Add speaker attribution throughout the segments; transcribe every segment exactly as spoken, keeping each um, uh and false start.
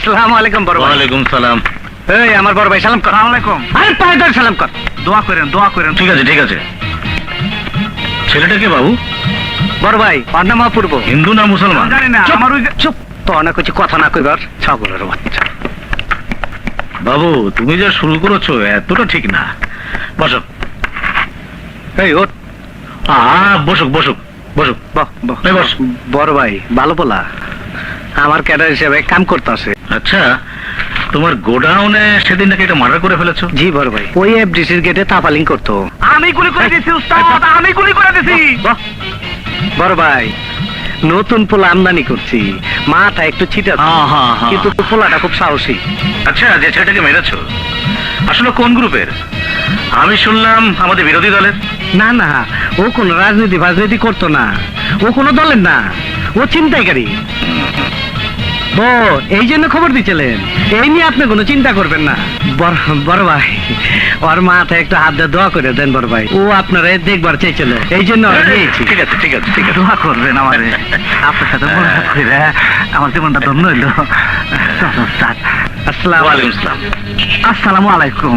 Speaker 1: আসসালামু আলাইকুম বড় ভাই।
Speaker 2: ওয়ালাইকুম সালাম।
Speaker 1: এই আমার বড় ভাই সালাম কর।
Speaker 3: আসসালামু আলাইকুম।
Speaker 1: আরে পায়ে ধরে সালাম কর।
Speaker 3: দোয়া করেন দোয়া করেন।
Speaker 2: ঠিক আছে ঠিক আছে। ছেলেটাকে বাবু
Speaker 1: বড় ভাই ওর নাম অপূর্ব।
Speaker 2: হিন্দু না মুসলমান?
Speaker 3: জানি না,
Speaker 1: চুপ,
Speaker 3: আমার ওই যে-
Speaker 1: চুপ তো অনেক কিছু কথা না কইবার ছাগলের বাচ্চা।
Speaker 2: বাবু তুমি যা শুরু করেছো এতটা ঠিক না। বসো।
Speaker 1: এই ওর
Speaker 2: আ বসুক বসুক বসুক।
Speaker 1: বাহ বাহ
Speaker 2: এই বস।
Speaker 1: বড় ভাই ভালো বলা, আমার ক্যাডার হিসেবে কাম করতেছে।
Speaker 2: আচ্ছা তোমার গোডাউনে সেদিন নাকি এটা মার্ডার করে ফেলেছো?
Speaker 1: জি বড় ভাই, ওই এফডিসির গেটে তাফালিং করতো।
Speaker 3: আমি গুলি করে দিছি উস্তাদ, আমি গুলি করে দিছি।
Speaker 1: বাহ, বড় ভাই নতুন পোলা আমদানি করছি, মাথা একটু ছিটা,
Speaker 2: হ্যাঁ, হ্যাঁ, হ্যাঁ।
Speaker 1: কিন্তু পোলাটা খুব সাহসী।
Speaker 2: আচ্ছা যে ছেলেটাকে মেরেছো আসলে কোন গ্রুপের? আমি শুনলাম আমাদের বিরোধী দলের।
Speaker 1: না না, ও কোন রাজনীতি ফাজনীতি করতো না, ও কোনো দলের না, ও ছিনতাইকারী। ও এই জন্য খবর দিচ্ছিলেন, এই নিয়ে আপনি কোনো চিন্তা করবেন না। বড় বড় ভাই ওর মাথায় একটু হাত দিয়ে দোয়া করে দেন বড় ভাই, ও আপনারা দেখবার চাইছিল, এই জন্য ওরে নিয়েছি।
Speaker 2: ঠিক আছে ঠিক আছে ঠিক আছে।
Speaker 3: দোয়া করবেন আমারে, আপনার সাথে মোলাকাত কইরা আমার জীবনটা ধন্য হইল। চলো উস্তাদ।
Speaker 1: আসসালামু
Speaker 2: ওয়ালাইকুম
Speaker 1: আলাইকুম।
Speaker 2: আসসালাম।
Speaker 3: আসসালামু আলাইকুম।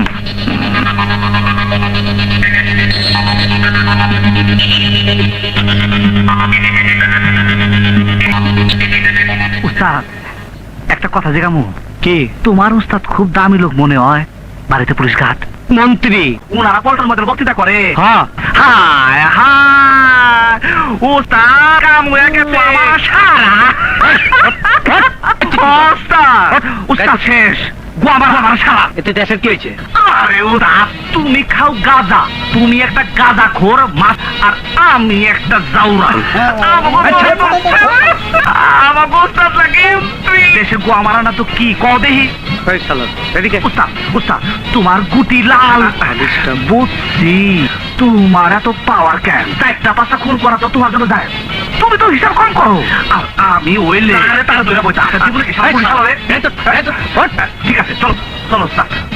Speaker 3: উস্তাদ একটা কথা জিজ্ঞামু।
Speaker 1: কি?
Speaker 3: তোমার উস্তাদ খুব দামি লোক মনে হয়, বাড়িতে পুলিশ ঘাট
Speaker 1: মন্ত্রী?
Speaker 3: উনারা পল্টন মধ্যে বক্তৃতা করে।
Speaker 1: হ্যাঁ।
Speaker 3: হায় হায় উস্তাদ কাম হয়ে গেছে আমার সারা। উস্তাদ উস্তাদ শেষ, গোয়ামার আমার সারা।
Speaker 1: এতে দেশের কি হয়েছে?
Speaker 3: আরে উস্তাদ তুমি খাও গাঁজা, তুমি একটা গাঁজা খোর মাছ, আর আমি একটা জাউরা। আমার উস্তাদ লাগে দেশে গোয়া মারা না তো কি ক দেহি।
Speaker 1: এই শালা, এদিকে।
Speaker 3: উস্তাদ উস্তাদ তোমার গুটি লাল।
Speaker 1: আলিশটা।
Speaker 3: বুঝছি তোমার এত পাওয়ার কেন, চারটা পাঁচটা খুন করা তো তোমার জন্য যায়, তুমি তো হিসাব কম করো। আর আমি ওইলে তারা ধরে বইতে জীবনে হিসাব করি না বলে।
Speaker 1: এই তো, এই তো, ওঠ।
Speaker 3: ঠিক আছে চলো চলো উস্তাদ।